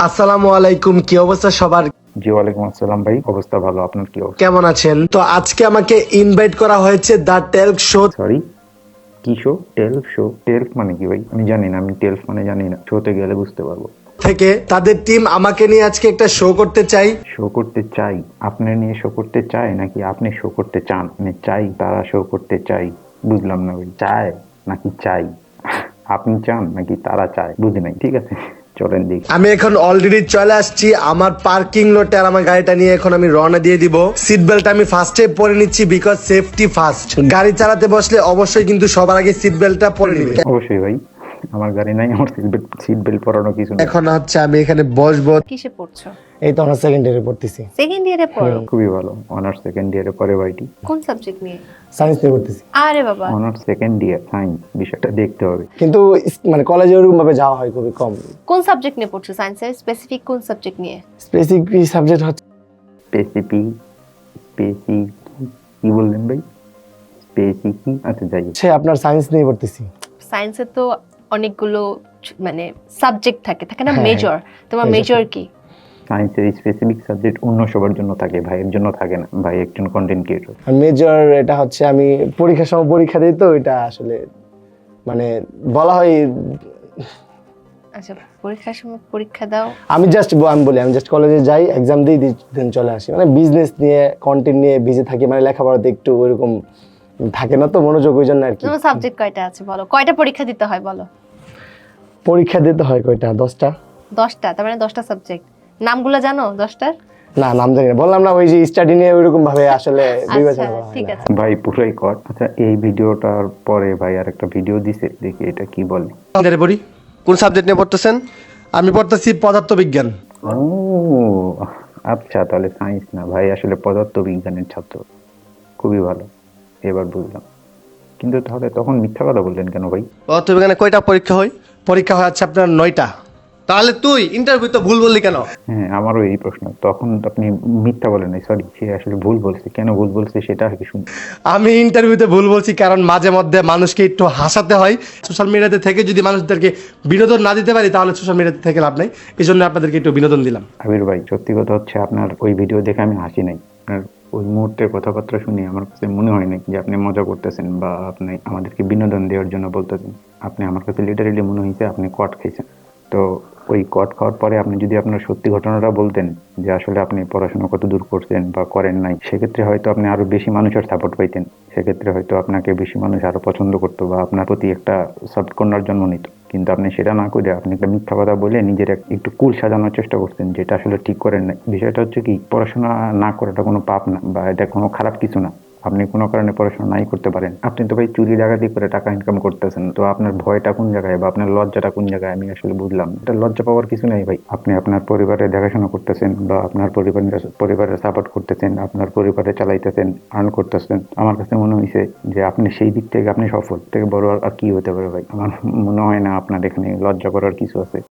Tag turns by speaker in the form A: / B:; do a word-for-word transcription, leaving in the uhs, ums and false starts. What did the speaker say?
A: আসসালামু আলাইকুম, কি অবস্থা সবার?
B: জি ওয়ালাইকুম আসসালাম ভাই, অবস্থা ভালো। আপনার কি অবস্থা?
A: কেমন আছেন? তো আজকে আমাকে ইনভাইট করা হয়েছে দ্য টেলক শো
B: সরি, কি শো? টেলফ শো? টেলফ মানে কি ভাই? আমি জানি না, আমি টেলফ মানে জানি না। শোতে গেলে বুঝতে পারবো।
A: থেকে। তাদের টিম আমাকে নিয়ে আজকে একটা শো করতে চাই।
B: শো করতে চাই? আপনার নিয়ে শো করতে চায় নাকি আপনি শো করতে চান? মানে চাই, তারা শো করতে চাই, বুঝলাম না ভাই। চায় নাকি চাই? আপনি চান নাকি তারা চায়? বুঝি নাই। ঠিক আছে, চলেন দেখি।
A: আমি এখন অলরেডি চলে আসছি আমার পার্কিং লটে, আর আমার গাড়িটা নিয়ে এখন আমি রওনা দিয়ে দিব। সিট বেল্ট আমি ফার্স্টে পরে নিচ্ছি, বিকজ সেফটি ফার্স্ট। গাড়ি চালাতে বসলে অবশ্যই কিন্তু সবার আগে সিট বেল্টটা পরে নিবে।
B: অবশ্যই ভাই, আমার গাড়ি নাই, আমার সিট বেল্ট সিট বেল্ট পরানো কিছু না।
A: এখন হচ্ছে আমি এখানে বসবো।
C: কিসে পড়ছো?
D: এই তো আমরা সেকেন্ড ইয়ারে পড়তেছি।
C: সেকেন্ড ইয়ারে পড়ো?
B: খুবই ভালো। অনার্স সেকেন্ড ইয়ারে পরে ভাইটি।
C: কোন সাবজেক্ট নিয়ে?
D: সায়েন্স নিয়ে পড়তেছি,
C: আরে বাবা,
B: অনার্স সেকেন্ড ইয়ার সায়েন্স, বিষয়টা দেখতে হবে।
D: কিন্তু ইস- মানে কলেজে ওরকম ভাবে যাওয়া হয় খুবই কম।
C: কোন সাবজেক্ট নিয়ে পড়ছো? সায়েন্সের স্পেসিফিক কোন সাবজেক্ট নিয়ে?
D: স্পেসিফিক সাবজেক্ট হচ্ছে
B: স্পেসিফিক স্পেসি কি বললেন ভাই? স্পেসি কি? আচ্ছা যাই হোক।
D: হচ্ছে আপনার সায়েন্স নিয়ে পড়তেছি।
C: সায়েন্সের তো অনেকগুলো ছ- মানে সাবজেক্ট থাকে থাকে না,
D: হ্যাঁ,
C: মেজর। তোমার
D: major
C: মেজর কি?
B: সায়েন্সের স্পেসিফিক সাবজেক্ট অন্য সবার জন্য থাকে, ভাইয়ের জন্য থাকে না। ভাই একজন কন্টেন্ট ক্রিয়েটর।
D: আর মেজর এটা হচ্ছে আমি পরীক্ষার সময় পরীক্ষা দিই, তো এটা আসলে মানে বলা হয়।
C: আচ্ছা, পরীক্ষার সময় পরীক্ষা দাও।
D: আমি জাস্ট আমি বলি আমি জাস্ট কলেজে যাই, এক্সাম দিই, দেন চলে আসি। মানে বিজনেস নিয়ে কন্টেন্ট নিয়ে বিজি থাকি, মানে লেখাপড়াতে একটু ওইরকম থাকে না তো মনোযোগ, ওই জন্য আর কি।
C: তোমার সাবজেক্ট কয়টা আছে বলো? কয়টা পরীক্ষা দিতে হয় বলো?
D: পরীক্ষা দিতে হয় কয়টা? দশটা।
C: দশটা? তার মানে দশটা সাবজেক্ট। নামগুলো জানো দশটার?
D: না, নাম জানি না, বললাম না ওই যে স্টাডি নিয়ে ওইরকম ভাবে আসলে
C: আচ্ছা
D: বিবেচনা করা হয়
C: ঠিক
D: না।
C: আছে।
B: ভাই পুরাই কর। আচ্ছা, এই ভিডিওটার পরে ভাই আর একটা ভিডিও দিছে, দেখি এটা কি বলে।
A: গাড়ি পড়ি। কোন সাবজেক্ট নিয়ে পড়তেছেন? আমি পড়তেছি পদার্থবিজ্ঞান।
B: ও আচ্ছা, তাহলে সায়েন্স না ভাই, আসলে পদার্থ বিজ্ঞানের ছাত্র। খুবই ভালো, এবার বুঝলাম। কিন্তু তাহলে তখন মিথ্যা কথা বললেন কেন ভাই?
A: পদার্থবিজ্ঞানে কয়টা পরীক্ষা হয়? পরীক্ষা হয় হচ্ছে আপনার নয়টা। তাহলে তুই ইন্টারভিউ তো ভুল বললি কেন?
B: হ্যাঁ, আমারও এই প্রশ্ন। তখন আপনি মিথ্যা বলেন নাই, সরি, সে আসলে ভুল বলছে। কেন ভুল বলছে সেটা আর কি শুনি।
A: আমি ইন্টারভিউতে ভুল বলছি কারণ মাঝে মধ্যে মানুষকে একটু হাসাতে হয়। সোশ্যাল মিডিয়াতে থেকে যদি মানুষদেরকে বিনোদন না দিতে পারি তাহলে সোশ্যাল মিডিয়াতে থেকে লাভ নাই। এই জন্য আপনাদেরকে একটু বিনোদন দিলাম।
B: আবির ভাই, সত্যি কথা হচ্ছে আপনার ওই ভিডিও দেখে আমি হাসি নাই। আপনার ওই মুহূর্তের কথাবার্তা শুনে আমার কাছে মনে হয় না যে আপনি মজা করতেছেন বা আপনি আমাদেরকে বিনোদন দেওয়ার জন্য বলতেছেন। আপনি আমার কাছে লিটারেলি মনে হয়েছে আপনি কট খাইছেন। তো ওই কট খাওয়ার পরে আপনি যদি আপনার সত্যি ঘটনাটা বলতেন যে আসলে আপনি পড়াশোনা কত দূর করছেন বা করেন নাই, সেক্ষেত্রে হয়তো আপনি আরো বেশি মানুষের সাপোর্ট পাইতেন। সেক্ষেত্রে হয়তো আপনাকে বেশি মানুষ আরো পছন্দ করতো বা আপনার প্রতি একটা সফট কর্নার জন্ম নিত। কিন্তু আপনি সেটা না করে আপনি একটা মিথ্যা কথা বলে নিজের এক- একটু কুল সাজানোর চেষ্টা করছেন, যেটা আসলে ঠিক করেন না। বিষয়টা হচ্ছে কি, পড়াশোনা না করাটা কোনো পাপ না বা এটা কোনো খারাপ কিছু না। আপনি কোনো কারণে পড়াশোনা নাই করতে পারেন, আপনি তো ভাই চুরি ডাকাতি করে টাকা ইনকাম করতেছেন। তো আপনার ভয়টা কোন জায়গায় বা আপনার লজ্জাটা কোন জায়গায় আমি আসলে বুঝলাম না। এটা লজ্জা পাওয়ার কিছু নেই ভাই। আপনি আপনার পরিবারের দেখাশোনা করতেছেন বা আপনার পরিবারের পরিবারের সাপোর্ট করতেছেন, আপনার পরিবারে চালাইতেছেন, আর্ন করতেছেন। আমার কাছে মনে হয়েছে যে আপনি সেই দিক থেকে আপনি সফল। থেকে বড় আর আর কি হতে পারে ভাই? আমার মনে হয় না আপনার এখানে লজ্জা করার কিছু আছে।